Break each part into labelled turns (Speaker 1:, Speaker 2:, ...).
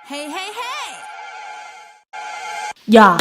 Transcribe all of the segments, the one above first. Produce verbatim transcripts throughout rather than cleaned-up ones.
Speaker 1: Hey, hey, hey!
Speaker 2: 야!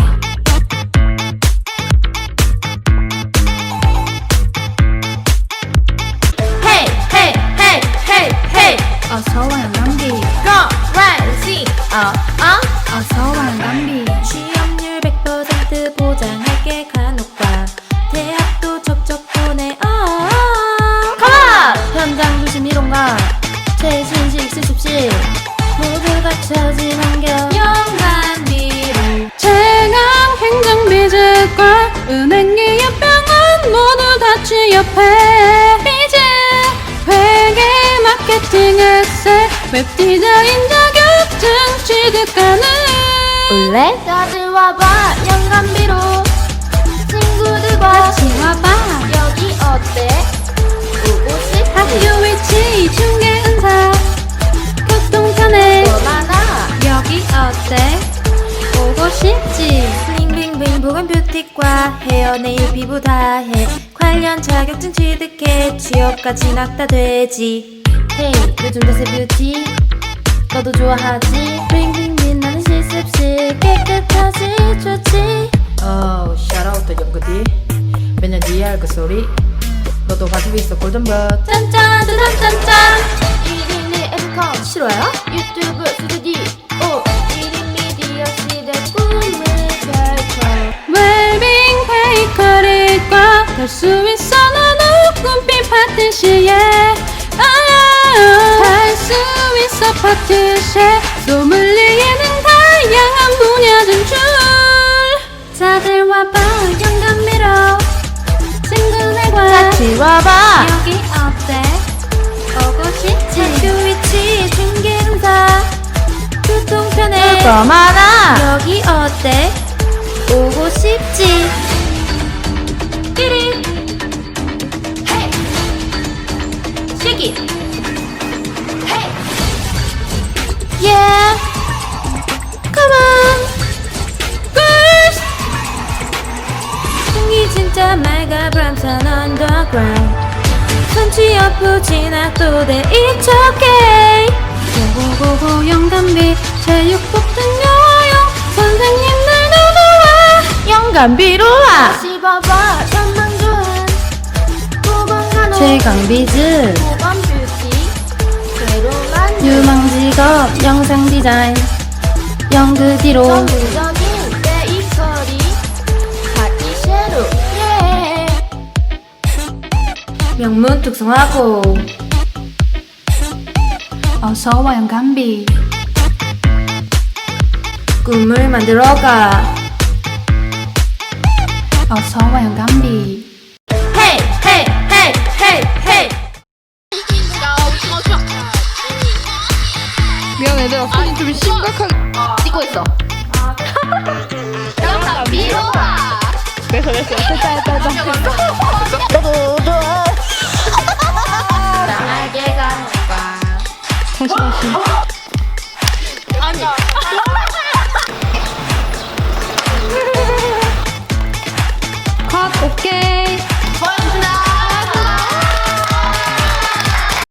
Speaker 1: Hey, hey, hey, hey, hey!
Speaker 2: 어서와 영감비
Speaker 1: Go, rising! 어, 어?
Speaker 2: 어서와 영감비
Speaker 1: 취업률 백 퍼센트 보장할게 간혹과 대학도 척척 보내 어
Speaker 2: Come on! 현장 조심 이론가 최신식 실습실
Speaker 1: 모두 갖춰진 환경 영감비로
Speaker 2: 최강 행정비즈과 은행 기업병원 모두 다 취업해 비즈 회계 마케팅 엑셀 웹디자인 자격증 취득 가능
Speaker 1: 올래? 다들 와봐 영감비로 친구들과
Speaker 2: 같이 와봐
Speaker 1: 여기 어때? 보고 싶지?
Speaker 2: 학교 위치 중개 은사 교통편에
Speaker 1: 뭐 많아
Speaker 2: 여기 어때? 보고 싶지?
Speaker 1: 블링블링블링 보건 뷰티과 헤어 네일 피부 다해 관련 자격증 취득해 취업과 진학 다 되지.
Speaker 2: 헤이 요즘 대세 뷰티 너도 좋아하지? 블링블링 빛나는 실습실 깨끗하지 좋지
Speaker 3: 어우 샤라웃도 영그디 매년 니알 그 소리 너도 가지고 있어 골든벗
Speaker 1: 짠짠 짠짠짠 일일이 엠컴 싫어요? 유튜브 스튜디오 일인 미디어 시대 꿈을 펼쳐
Speaker 2: 웰빙 베이커리과 갈 수 있어 너도 꿈빛 파티시에 할 수 있어 파티시에 소믈리에는 다양한 분야 진출 다들 와봐 영감미로 친구들과
Speaker 1: 같이 와봐
Speaker 2: 여기 어때? 보고 싶지?
Speaker 1: 학교 위치 중개응사 교통편에
Speaker 2: 더 많아
Speaker 1: 여기 어때? 오고 싶지? 끼리 헤이 쉐기 헤이 yeah come on girls 공기 진짜 맑아 브람산 underground 선취업 후 진학도 돼 it's okay
Speaker 2: 고고고고 영감비 체육복 등 여용 선생님들도 좋아
Speaker 1: 영감비로 와 씹어봐 전망 좋은 보건 간호
Speaker 2: 최강비즈
Speaker 1: 보건 뷰티 새로만
Speaker 2: 유망 직업 영상 디자인 연극이로
Speaker 1: 전문적인 베이커리 파티셰로 예
Speaker 2: 명문 특성화고 어서와 영감비
Speaker 1: 꿈을 만들어가
Speaker 2: 어서와 영감비
Speaker 1: 헤이 헤이 헤이 헤이 헤이
Speaker 4: 미안 얘들아 손이 좀 심각하게
Speaker 1: 찍고 있어 영감비로 와
Speaker 4: 됐어 됐어 됐다 됐다 됐다
Speaker 1: 나에게 가볼까
Speaker 4: 다시 다시